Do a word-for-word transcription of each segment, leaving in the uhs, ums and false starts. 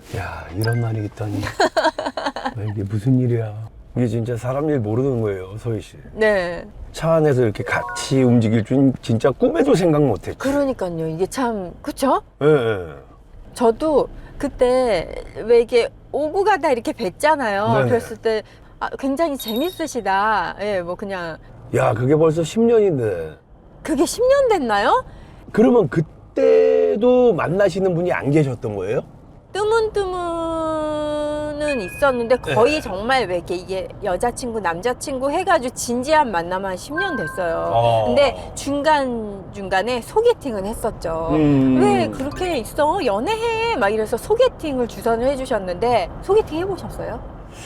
야, 이런 날이 있다니. 이게 무슨 일이야. 이게 진짜 사람 일 모르는 거예요, 서희 씨. 네. 차 안에서 이렇게 같이 움직일 줄 진짜 꿈에도 생각 못 했지. 그러니까요. 이게 참, 그쵸? 예, 예. 저도 그때 왜 이게 오고 가다 이렇게 뵀잖아요. 네네. 그랬을 때 아, 굉장히 재밌으시다. 예, 뭐 그냥. 야, 그게 벌써 십 년인데. 그게 십 년 됐나요? 그러면 그때도 만나시는 분이 안 계셨던 거예요? 뜨문뜨문은 있었는데 거의 네. 정말 왜 이렇게 이게 여자친구, 남자친구 해가지고 진지한 만남 한 십 년 됐어요. 어. 근데 중간중간에 소개팅은 했었죠. 음. 왜 그렇게 있어? 연애해! 막 이래서 소개팅을 주선을 해주셨는데 소개팅 해보셨어요?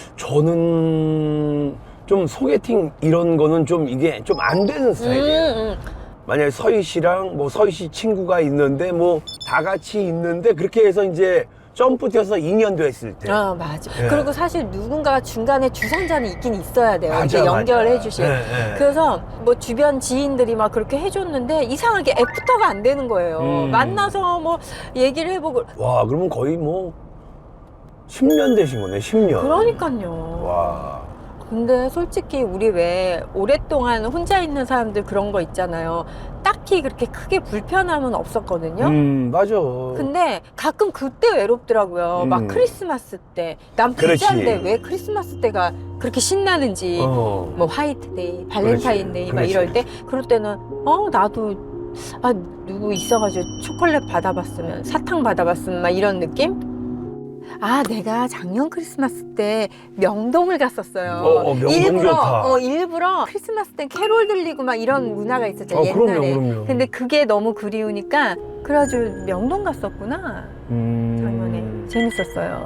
저는 좀 소개팅 이런 거는 좀 이게 좀 안 되는 스타일이에요. 음, 음. 만약에 서희 씨랑 뭐 서희 씨 친구가 있는데 뭐 다 같이 있는데 그렇게 해서 이제 점프 뛰어서 인연도 했을 때. 아, 맞아. 예. 그리고 사실 누군가가 중간에 주선자는 있긴 있어야 돼요. 맞아, 이제 맞아. 연결해 주실. 예, 예. 그래서 뭐 주변 지인들이 막 그렇게 해줬는데 이상하게 애프터가 안 되는 거예요. 음. 만나서 뭐 얘기를 해보고. 와, 그러면 거의 뭐 십 년 되신 거네, 십 년. 그러니까요. 와. 근데 솔직히 우리 왜 오랫동안 혼자 있는 사람들 그런 거 있잖아요. 딱히 그렇게 크게 불편함은 없었거든요. 음, 맞아. 근데 가끔 그때 외롭더라고요. 음. 막 크리스마스 때. 난 그렇지. 부자인데 왜 크리스마스 때가 그렇게 신나는지. 어. 뭐 화이트데이, 발렌타인데이 막 그렇지. 이럴 때 그럴 때는 어 나도 아 누구 있어가지고 초콜릿 받아봤으면 사탕 받아봤으면 막 이런 느낌? 아 내가 작년 크리스마스 때 명동을 갔었어요. 어, 어, 명동 일부러 좋다. 어 일부러 크리스마스 때 캐롤 들리고 막 이런 문화가 있었잖아요. 어, 그럼요, 옛날에. 그럼요. 근데 그게 너무 그리우니까 그래가지고 명동 갔었구나. 음. 작년에 재밌었어요.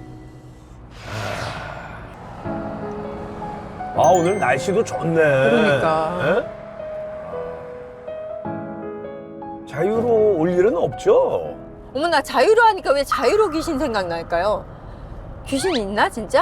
아, 오늘 날씨도 좋네. 그러니까. 예? 자유로 올 일은 없죠? 어머 나 자유로 하니까 왜 자유로 귀신 생각날까요? 귀신 있나 진짜?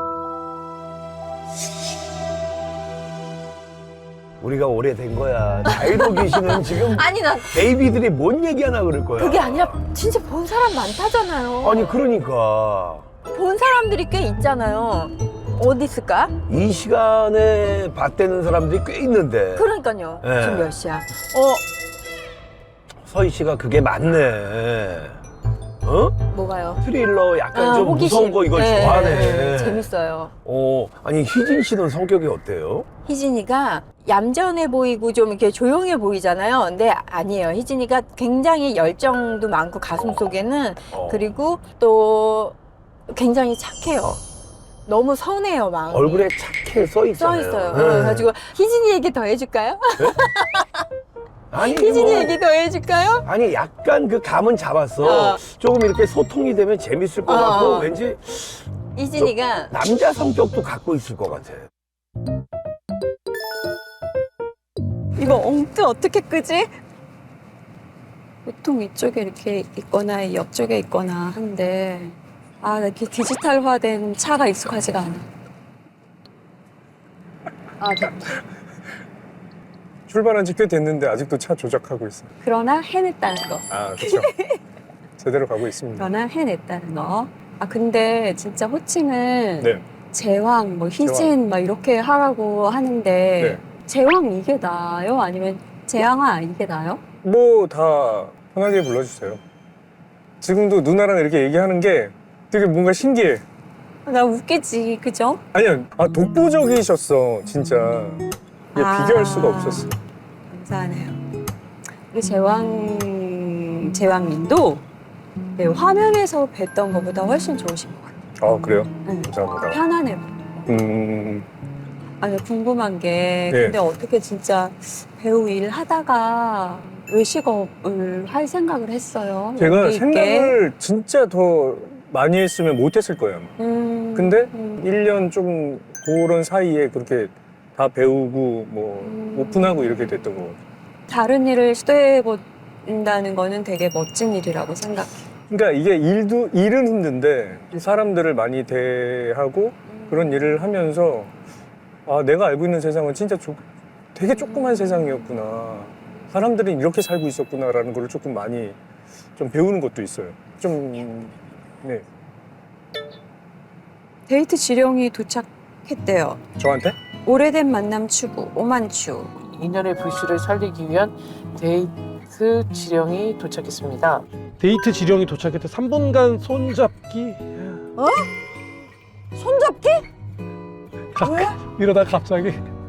우리가 오래된 거야. 자유로 귀신은 지금 아니 나 베이비들이 뭔 얘기하나 그럴 거야. 그게 아니라 진짜 본 사람 많다잖아요. 아니, 그러니까. 본 사람들이 꽤 있잖아요. 어디 있을까? 이 시간에 봤다는 사람들이 꽤 있는데. 그러니까요. 네. 지금 몇 시야? 어 서희 씨가 그게 맞네. 어? 뭐가요? 스릴러 약간 아, 좀 호기심. 무서운 거 이걸 네, 좋아하네. 네, 재밌어요. 어, 아니, 희진 씨는 성격이 어때요? 희진이가 얌전해 보이고 좀 이렇게 조용해 보이잖아요. 근데 아니에요. 희진이가 굉장히 열정도 많고 가슴 속에는 어. 그리고 또 굉장히 착해요. 너무 선해요, 마음이. 얼굴에 착해 써 써 있잖아요. 있어요. 네. 그래가지고 희진이 얘기 더 해줄까요? 아니, 희진이 뭐, 얘기 더 해줄까요? 아니, 약간 그 감은 잡았어. 어. 조금 이렇게 소통이 되면 재밌을 것 어, 같고, 어. 왠지 희진이가 남자 성격도 갖고 있을 것 같아. 이거 엉뜨 어떻게 끄지? 보통 이쪽에 이렇게 있거나 옆쪽에 있거나 한데 아, 나 이렇게 디지털화된 차가 익숙하지가 않아. 아, 됐다. 출발한 지 꽤 됐는데 아직도 차 조작하고 있어요. 그러나 해냈다는 거. 아, 그렇죠. 제대로 가고 있습니다. 그러나 해냈다는 거. 아, 근데 진짜 호칭은 네. 제왕, 뭐 희진 제왕. 막 이렇게 하라고 하는데 네. 제왕 이게 나아요? 아니면 제왕아 이게 나아요? 뭐 다 편하게 불러주세요. 지금도 누나랑 이렇게 얘기하는 게 되게 뭔가 신기해. 나 웃기지, 그죠? 아니야, 아, 독보적이셨어, 진짜. 이게 아. 비교할 수가 없었어. 감사하네요. 우리 제왕, 제왕님도 네, 화면에서 뵀던 것보다 훨씬 좋으신 것 같아요. 아, 그래요? 응. 감사합니다. 편안해. 음, 아니, 궁금한 게, 네. 근데 어떻게 진짜 배우 일 하다가 외식업을 할 생각을 했어요? 제가 여기 있게? 생각을 진짜 더 많이 했으면 못했을 거예요. 음, 근데 음, 일 년 좀 그런 사이에 그렇게 다 배우고 뭐 음. 오픈하고 이렇게 됐던 거 같아요. 다른 일을 시도해본다는 거는 되게 멋진 일이라고 생각해. 그러니까 이게 일도 일은 힘든데 사람들을 많이 대하고 그런 일을 하면서 아 내가 알고 있는 세상은 진짜 조, 되게 조그만 세상이었구나. 사람들이 이렇게 살고 있었구나라는 걸 조금 많이 좀 배우는 것도 있어요. 좀 네. 데이트 지령이 도착했대요. 저한테? 오래된 만남 추구, 오만추. 인연의 불씨를 살리기 위한 데이트 지령이 도착했습니다. 데이트 지령이 도착했대. 삼 분간 손잡기. 손잡기? 왜? 이러다 갑자기.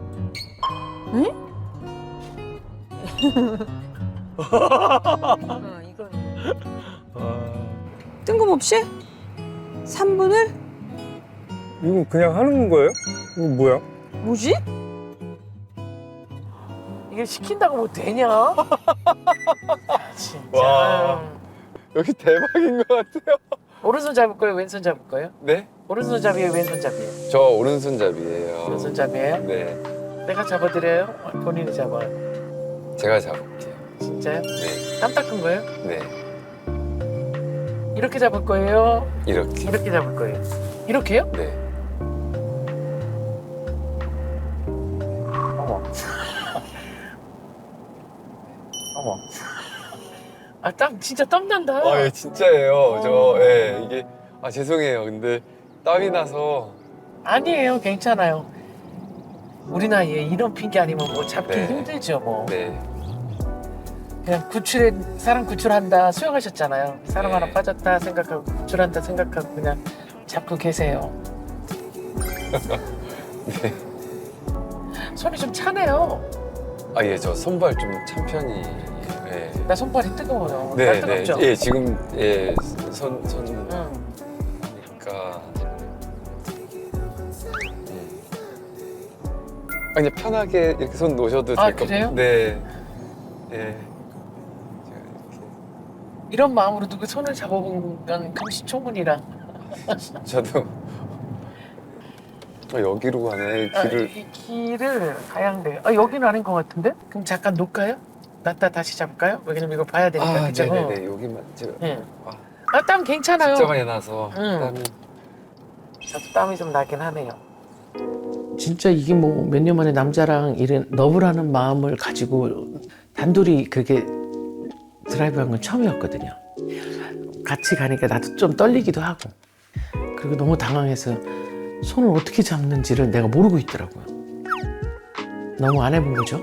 어, 이건 아, 뜬금없이 삼 분을? 이거 그냥 하는 거예요? 이거 뭐야? 뭐지? 이게 시킨다고 뭐 되냐? 진짜. 와. 여기 대박인 것 같아요. 오른손 잡을 거예요? 왼손 잡을 거예요? 네? 오른손잡이에요? 왼손잡이에요? 저 오른손잡이에요. 오른손잡이에요? 네. 내가 잡아드려요? 본인이 잡아. 제가 잡을게요. 진짜요? 네. 땀 닦은 거예요? 네. 이렇게 잡을 거예요? 이렇게. 이렇게 잡을 거예요? 이렇게요? 네. 어머. 어머. 아, 땀 진짜 땀 난다. 아, 예, 진짜예요. 저, 예, 이게. 아, 죄송해요. 근데 땀이 나서. 아니에요, 괜찮아요. 우리 나이에 이런 핑계 아니면 뭐 잡기 네. 힘들죠, 뭐. 네. 그냥 구출에 사람 구출한다 수영하셨잖아요. 사람 네. 하나 빠졌다 생각하고 구출한다 생각하고 그냥 잡고 계세요. 네. 손이 좀 차네요. 아, 예, 저 손발 좀 찬 편이에요. 예. 나 손발이 뜨거워요. 네, 나 네. 뜨겁죠? 예, 지금, 예, 손, 손. 응. 하니까. 음. 아, 그냥 편하게 이렇게 손 놓으셔도 아, 될 것 그래요? 같아요. 네. 예. 제가 이렇게. 이런 마음으로 누구 손을 잡아본 건 금시초문이라. 저도 어, 여기로 가네 아, 길을. 이 길을 가야 돼. 아, 여기는 아닌 것 같은데? 그럼 잠깐 놓을까요? 놨다 다시 잡을까요? 왜냐면 이거 봐야 되니까. 아, 그죠? 네네네. 여기만 제가. 네. 아, 아, 땀 괜찮아요. 진짜 많이 나서 응. 땀이. 저도 땀이 좀 나긴 하네요. 진짜 이게 뭐 몇 년 만에 남자랑 이런 러브라는 마음을 가지고 단둘이 그렇게 드라이브한 건 처음이었거든요. 같이 가니까 나도 좀 떨리기도 하고 그리고 너무 당황해서 손을 어떻게 잡는지를 내가 모르고 있더라고요. 너무 안 해본 거죠?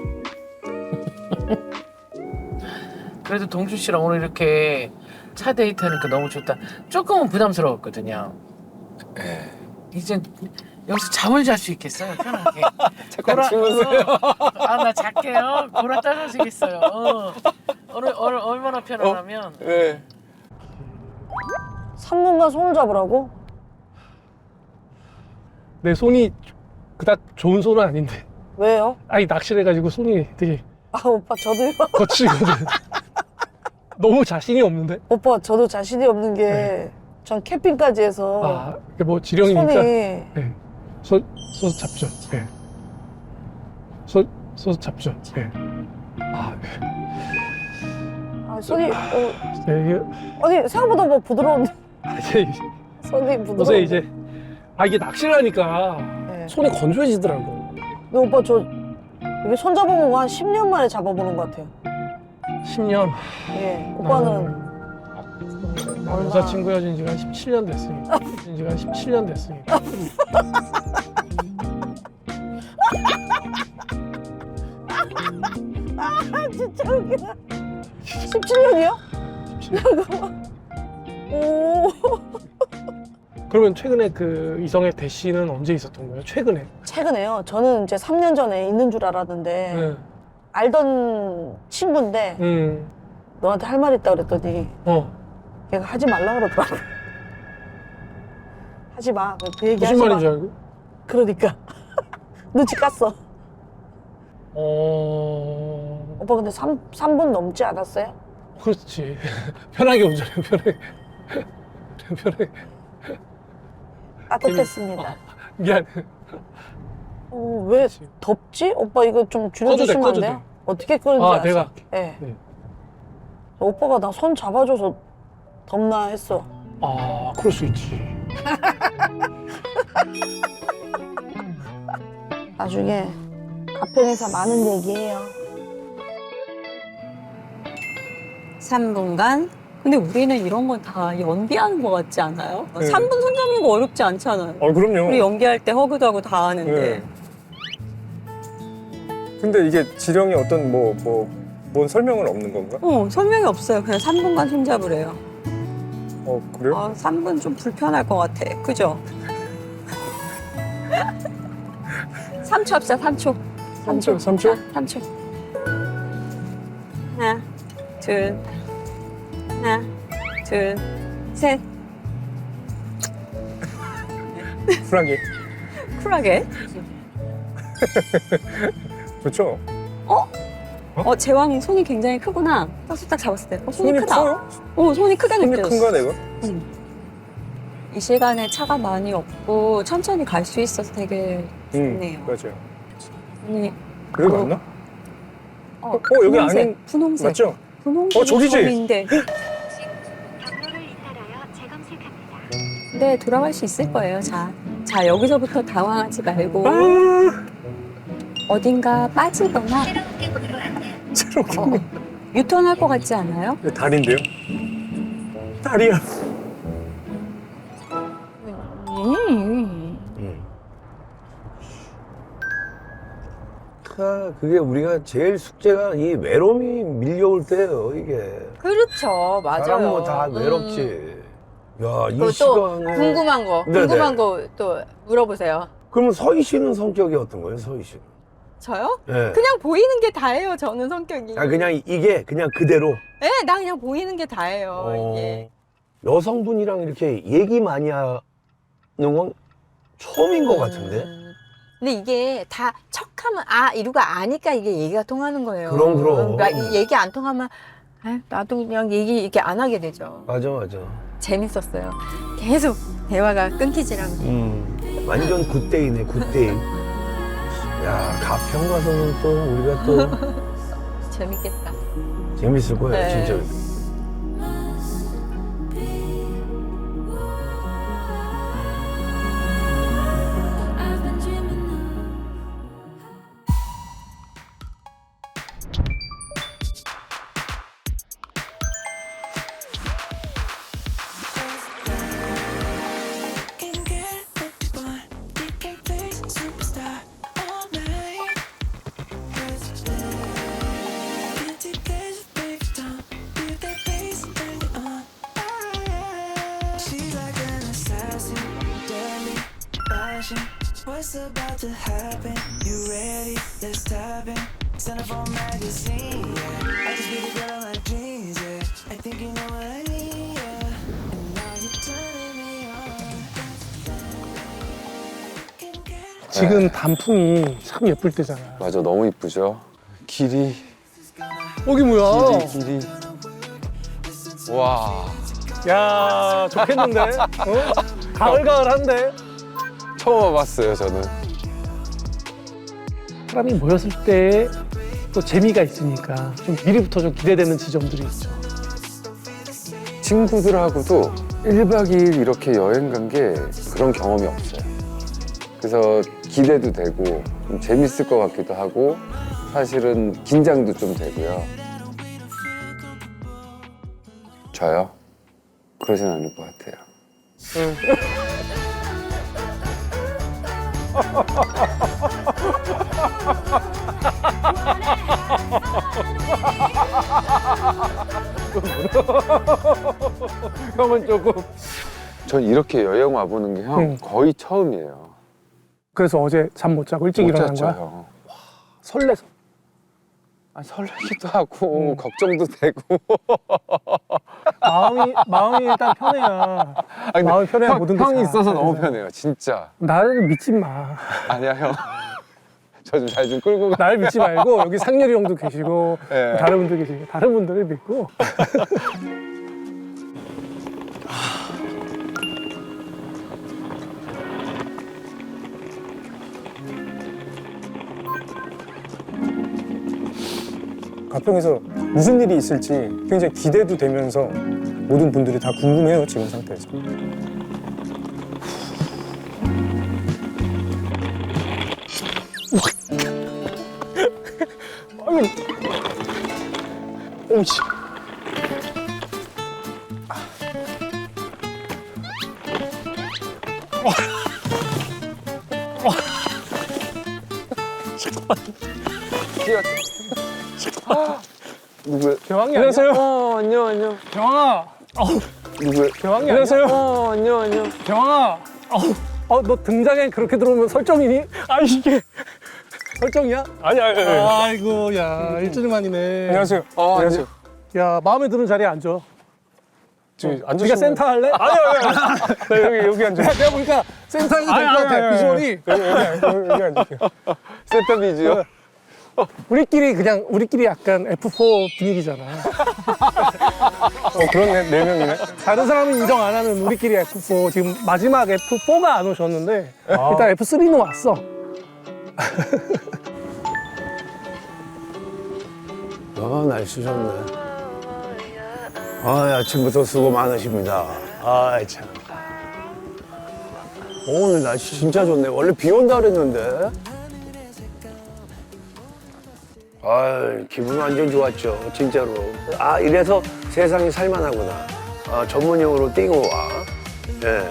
그래도 동준 씨랑 오늘 이렇게 차 데이트하니까 너무 좋다. 조금은 부담스러웠거든요. 예. 이제 여기서 잠을 잘 수 있겠어요, 편하게. 잠깐 고라- 주무세요. 아, 나 잘게요. 고라 따라지겠어요. 어. 오늘, 오늘 얼마나 편하냐면 네. 삼 분간 손을 잡으라고? 내 손이 그닥 좋은 손은 아닌데. 왜요? 아니 낚시를 해가지고 손이 되게 아 오빠 저도요. 거칠거든. 너무 자신이 없는데. 오빠 저도 자신이 없는 게 전 캠핑까지 해서 아, 이게 뭐 지령이니까. 손이 네. 손, 손 잡죠. 네. 손, 손 잡죠. 네. 아, 아, 손이 어, 네, 이게 아니 생각보다 뭐 부드러운데 아, 이제 손이 부드러운데. 요새 이제 아 이게 낚시를 하니까 네. 손이 건조해지더라고. 근데 오빠 저 이게 손 잡아본 거 한 십 년 만에 잡아보는 것 같아요. 십 년. 예, 오빠는 나 여자친구 헤어진 지가 한 십칠 년 됐으니까. 헤어진 지가 한 십칠 년 됐으니까. 진짜 웃기다. 십칠 년이요? 잠깐만. 오. 그러면 최근에 그 이성의 대시는 언제 있었던 거예요? 최근에? 최근에요. 저는 이제 삼 년 전에 있는 줄 알았는데 네. 알던 친구인데 음. 너한테 할 말 있다 그랬더니 어. 걔가 하지 말라 그러더라고. 하지 마. 그 얘기 무슨 하지 말인 마. 줄 알고? 그러니까 눈치 깠어. 어. 오빠 근데 삼, 삼 분 넘지 않았어요? 그렇지. 편하게 운전해, 편하게. 편하게. 따뜻했습니다. 미안. 어, 왜 덥지? 오빠 이거 좀 꺼도 돼, 줄여주시면 안 꺼도 돼요? 돼. 어떻게 끄는지 아, 아세요? 내가 할게. 네. 네. 오빠가 나 손 잡아줘서 덥나 했어. 아, 그럴 수 있지. 나중에 가평에서 많은 얘기해요. 삼 분간 근데 우리는 이런 건 다 연기하는 것 같지 않아요? 네. 삼 분 손잡는 거 어렵지 않잖아요. 어, 그럼요. 우리 연기할 때 허그도 하고 다 하는데. 네. 근데 이게 지령이 어떤 뭐, 뭐, 뭔 설명은 없는 건가? 어, 설명이 없어요. 그냥 삼 분간 손잡으래요. 어, 그래요? 아, 삼 분 좀 불편할 것 같아. 그죠? 삼 초 합시다, 삼 초. 삼 초, 삼 초? 삼 초. 하나, 둘, 하나, 둘, 셋. 쿨하게. 쿨하게. 좋죠? 어, 제왕 손이 굉장히 크구나. 딱 딱 잡았을 때. 어, 손이, 손이 크다. 커요? 어, 손이 크게 손이 느껴졌어. 큰가, 내가? 이 시간에 차가 많이 없고 천천히 갈 수 있어서 되게 응, 좋네요. 맞아요. 아니, 여기 어, 맞나? 어, 어, 여기 분홍색, 아닌- 분홍색. 맞죠? 분홍색. 어, 저기지? 인데 네, 돌아갈 수 있을 거예요. 자, 자 여기서부터 당황하지 말고 아. 어딘가 빠지거나 새롭게. 어, 유턴할 것 같지 않아요? 이거 다리인데요? 다리야. 음. 아, 그게 우리가 제일 숙제가 이 외로움이 밀려올 때예요, 이게. 그렇죠, 맞아요. 사람 뭐 다 음. 외롭지. 야, 이 그리고 또 시간에. 궁금한 거, 네네. 궁금한 거 또 물어보세요. 그러면 서희 씨는 성격이 어떤 거예요, 서희 씨는? 저요? 예. 그냥 보이는 게 다예요, 저는 성격이. 아, 그냥 이게 그냥 그대로. 네, 나 그냥 보이는 게 다예요, 어, 이게. 여성분이랑 이렇게 얘기 많이 하는 건 처음인 것 같은데? 음. 근데 이게 다 척하면 아 이러고 아니까 이게 얘기가 통하는 거예요. 그럼, 그럼. 그러니까 이 얘기 안 통하면 아, 나도 그냥 얘기 이렇게 안 하게 되죠. 맞아, 맞아. 재밌었어요. 계속 대화가 끊기질 않고. 음, 완전 굿데이네, 굿데이. 야, 가평 가서는 또 우리가 또 재밌겠다. 재밌을 거예요, 네. 진짜. What's about to happen? You ready? Let's dive in. Centerfold magazine, yeah. I just be the girl like dreams, yeah. I think you know what I need, yeah. And now you're turning me on. 지금 단풍이 참 예쁠 때잖아. 맞아, 너무 이쁘죠. 길이, 여기 뭐야? 길이, 길이. 와, 야, 좋겠는데? 어? 가을가을한데? 처음 와봤어요, 저는. 사람이 모였을 때 또 재미가 있으니까 좀 미리부터 좀 기대되는 지점들이 있죠. 친구들하고도 일 박 이 일 이렇게 여행 간 게 그런 경험이 없어요. 그래서 기대도 되고 좀 재밌을 것 같기도 하고 사실은 긴장도 좀 되고요. 저요? 그러진 않을 것 같아요. 형은 조금. 전 이렇게 여행 와보는 게 형 응. 거의 처음이에요. 그래서 어제 잠 못 자고 일찍 못 일어난 잤죠, 거야? 형. 설레서. 아, 설레기도 하고 응. 걱정도 되고. 마음이, 마음이 일단 편해야. 아, 근데 마음이 편해야 형, 모든 게 형이 잘- 있어서 잘 너무 되잖아. 편해요, 진짜. 나를 믿지 마. 아니야, 형. 저 좀 잘 좀 끌고 가. 나를 믿지 말고 여기 상렬이 형도 계시고 네. 다른 분들 계시고 다른 분들을 믿고. 가평에서 무슨 일이 있을지 굉장히 기대도 되면서 모든 분들이 다 궁금해요, 지금 상태에서. 아유, 오우씨. 누구야? 대왕이 안녕하세요. 어, 안녕, 안녕. 대왕아. 누구야? 대왕이 안녕하세요. 어, 안녕, 안녕. 대왕아. 어, 너 등장에 그렇게 들어오면 설정이니? 아, 이게 설정이야? 아니, 아니, 아니. 아이고, 야, 일주일 만이네. 안녕하세요. 어, 안녕하세요. 야, 마음에 드는 자리에 앉아. 저기 네가 앉으시면. 센터 할래? 아니, 아니, 아니. 나 여기, 여기 앉아. 내가 보니까 센터에도 될 것 같아, 비주얼이. 여기, 여기, 여기 앉을게요. 세터 비즈요? 우리끼리 그냥, 우리끼리 약간 에프 포 분위기잖아. 어, 그렇네. 네 명이네. 다른 사람은 인정 안 하는 우리끼리 에프 포. 지금 마지막 에프 포가 안 오셨는데, 일단 에프 쓰리는 왔어. 아, 날씨 좋네. 아, 아침부터 수고 많으십니다. 아, 참. 오늘 날씨 진짜 좋네. 원래 비 온다 그랬는데. 아, 기분 완전 좋았죠. 진짜로. 아, 이래서 세상이 살만하구나. 아, 전문용어로 띵호와. 예.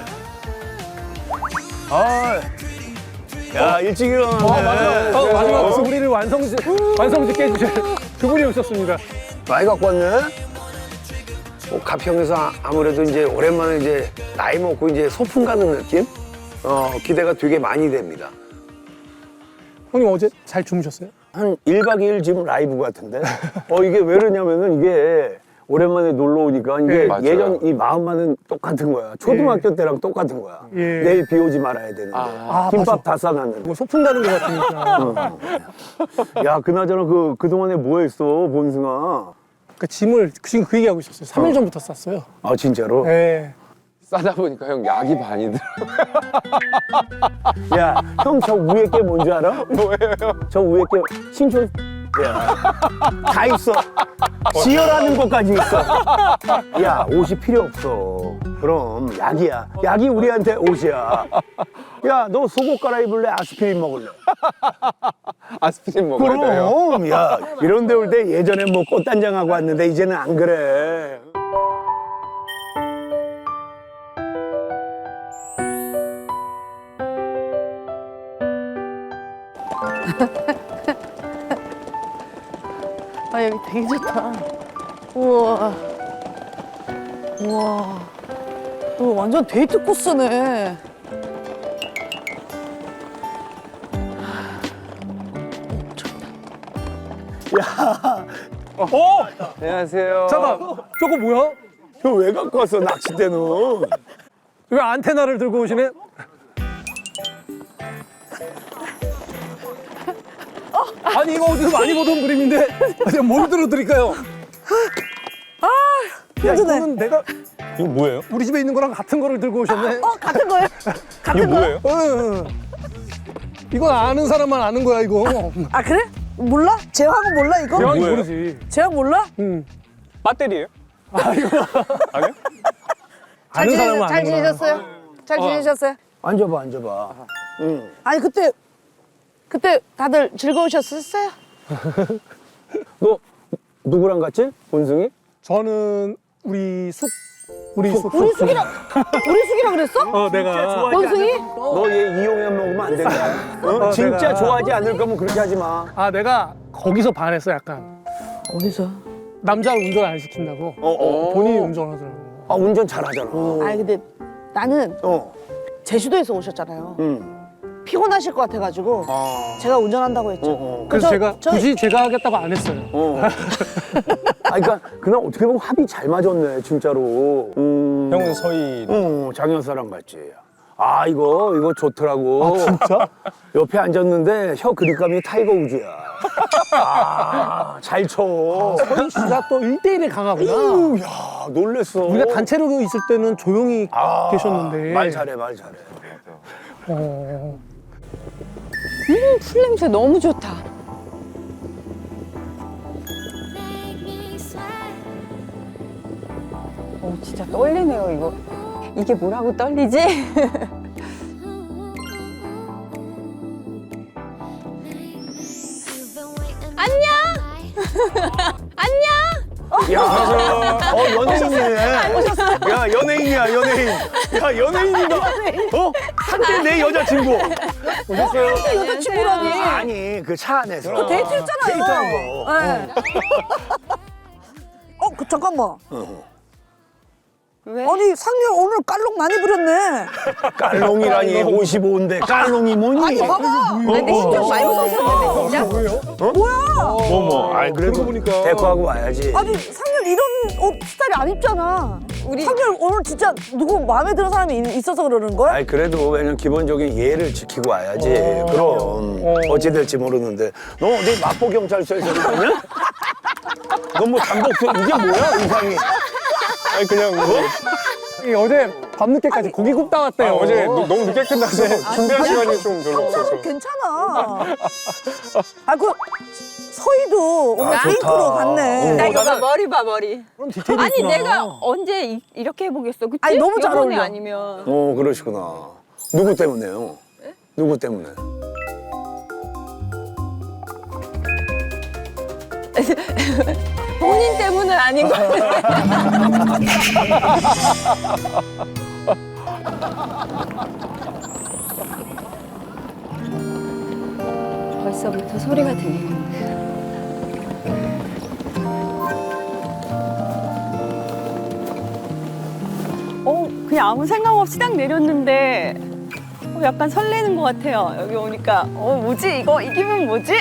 아, 야, 일찍 일어나네. 어, 마지막 수부리를 완성지, 완성짓게 해주실 두 분이 오셨습니다. 많이 갖고 왔네? 뭐 가평에서 아- 아무래도 이제 오랜만에 이제 나이 먹고 이제 소풍 가는 느낌? 어, 기대가 되게 많이 됩니다. 형님 어제 잘 주무셨어요? 한 일 박 이 일 지금 라이브 같은데? 어, 이게 왜 그러냐면은 이게 오랜만에 놀러 오니까 이게 예, 맞아요. 예전 이 마음만은 똑같은 거야. 초등학교 때랑 똑같은 거야. 예. 내일 비 오지 말아야 되는데. 아, 김밥 다 싸놨는데. 뭐 소풍 가는 것 같으니까. 어. 야, 그나저나 그, 그동안에 뭐 했어, 본승아? 그 짐을 지금 그 얘기하고 있었어요. 삼 일 전부터 쌌어요. 아, 진짜로? 네. 싸다 보니까 형 약이 반이 들어. 야, 형 저 위에 게 뭔지 알아? 뭐예요? 저 위에 게 신촌. 야, 다 있어. 지혈하는 것까지 있어. 야, 옷이 필요 없어. 그럼 약이야. 약이 우리한테 옷이야. 야, 너 속옷 갈아입을래? 아스피린 먹을래? 아스피린 먹어야 돼요. 그럼, 야, 이런 데 올 때 예전에 뭐 꽃단장하고 왔는데 이제는 안 그래. 아, 여기 되게 좋다. 우와. 우와. 이거 완전 데이트 코스네. 안녕하세요. 잠깐, 저거 뭐야? 형 왜 갖고 왔어, 낚싯대는? 왜 안테나를 들고 오시네? 아니 이거 어디서 많이 보던 그림인데 제가 뭘 들어드릴까요? 야 이거는 내가 이거 뭐예요? 우리 집에 있는 거랑 같은 거를 들고 오셨네. 어, 같은 거예요? 같은 이거 뭐예요? 응. 이건 아는 사람만 아는 거야 이거. 아, 그래? 몰라? 제왕은 몰라, 이거? 대왕이 뭐예요? 모르지. 제왕 몰라? 응. 배터리예요? 아니요. 아니요? 아는 사람은 잘 아는구나. 지내셨어요? 잘 지내셨어요? 앉아봐, 앉아봐. 응. 아니, 그때, 그때 다들 즐거우셨었어요? 너 누구랑 갔지? 본승이? 저는 우리 숙 우리 숙 우리 숙이랑, 우리 숙이랑 그랬어? 어 내가 원숭이? 너 얘 이용해 먹으면 안 된다. 어? 어, 진짜 내가- 좋아하지 않을 거면 그렇게 하지 마. 아 내가 거기서 반했어 약간. 어디서? 남자를 운전 안 시킨다고. 어, 어. 본인이 운전하더라고. 아, 운전 잘하잖아. 아니, 근데 나는 어. 제주도에서 오셨잖아요. 응. 피곤하실 것 같아가지고 아. 제가 운전한다고 했죠. 어, 어. 그래서 저- 제가 저- 굳이 제가 하겠다고 안 했어요. 어. 아, 그러니까 그날 어떻게 보면 합이 잘 맞았네, 진짜로. 음. 형은 서희. 어, 장현사랑 같이. 아, 이거 이거 좋더라고. 아 진짜? 옆에 앉았는데 혀 그립감이 타이거 우즈야. 아, 잘 쳐. 서희 씨가 또 일 대 일에 강하구나. 오, 야, 놀랬어. 우리가 단체로 있을 때는 조용히 아, 계셨는데. 말 잘해, 말 잘해. 어. 음, 풀 냄새 너무 좋다. 오, 진짜 떨리네요, 이거. 이게 뭐라고 떨리지? 안녕! 안녕! 야, 어, 연예인이네. 야, 연예인이야, 연예인. 야, 연예인이다. 어? 한때 내 여자친구. 오셨어요? 여자친구라니. 아니, 그 차 안에서. 그 데이트 했잖아요. 데이트한 거. 네. 어, 그, 잠깐만. 왜? 아니, 상렬 오늘 깔롱 많이 부렸네. 깔롱이라니, 오십오인데 깔롱이 뭐니? 아니, 봐봐. 근데 신경 많이 썼었는데 진짜. 뭐야? 어머, 아니, 그래도 보니까. 데리고하고 와야지. 아니, 상렬 이런 옷 스타일이 안 입잖아. 우리 상렬 오늘 진짜 누구 마음에 드는 사람이 있- 있어서 그러는 거야? 아니, 그래도 왜냐면 기본적인 예를 지키고 와야지. 그럼. 어찌 될지 모르는데. 너 어디 마포경찰서에서 그러냐? 너 뭐 잠복도 이게 뭐야, 의상이? 아니 그냥 뭐? 이 어제 밤늦게까지 고기 굽다 왔대요. 아, 어제 노- 너무 늦게 끝나서 준비할 시간이 좀 별로 없어서. 괜찮아. 아, 그 서희도 오늘 아, 핑크로 좋다. 갔네. 나 이거 봐, 머리 봐, 머리. 그런 디테일이 아니, 있구나. 내가 언제 이, 이렇게 해보겠어, 그치? 아니, 너무 잘 요번에 어울려. 아니면. 어, 그러시구나. 누구 때문에요? 누구 때문에? 본인 때문은 아닌 거 같아. 벌써부터 소리가 들리는데. 어, 그냥 아무 생각 없이 딱 내렸는데 어, 약간 설레는 것 같아요. 여기 오니까 어, 뭐지? 이거 이 기분 뭐지?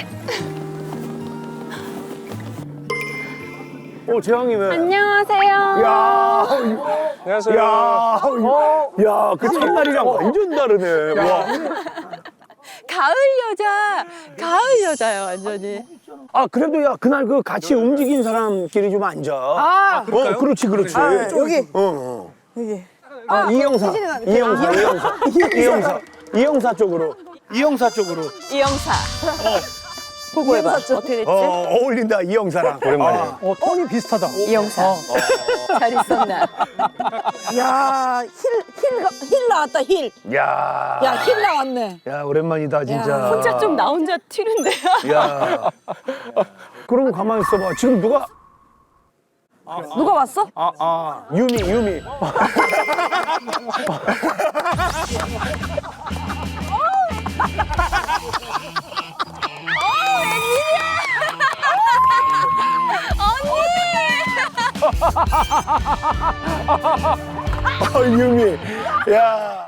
어, 재영이 왜? 안녕하세요. 야, 안녕하세요. 야, 야, 그 첫날이랑 완전 다르네. 와. 가을 여자, 가을 여자요, 완전히. 아, 그래도 야, 그날 그 같이 움직인 사람끼리 좀 앉아. 아, 어, 그렇지, 그렇지. 아, 여기, 어, 어. 여기. 아, 이영사. 혜진이가 이영사, 이영사. 이영사. 이영사 쪽으로. 이영사 쪽으로. 이영사. 보고 해봐. 어떻게 됐지? 어, 어울린다, 이영사랑. 오랜만이야. 어, 톤이 비슷하다. 이영사. 잘 있었나? 야, 힐, 힐, 가- 힐 나왔다, 힐. 야. 야, 힐 나왔네. 야, 오랜만이다, 진짜. 혼자 좀 나 혼자 튀는데요. 야. 그럼 가만히 있어봐. 지금 누가. 누가 왔어? 아, 아. 유미, 유미. 아, 유미. 야.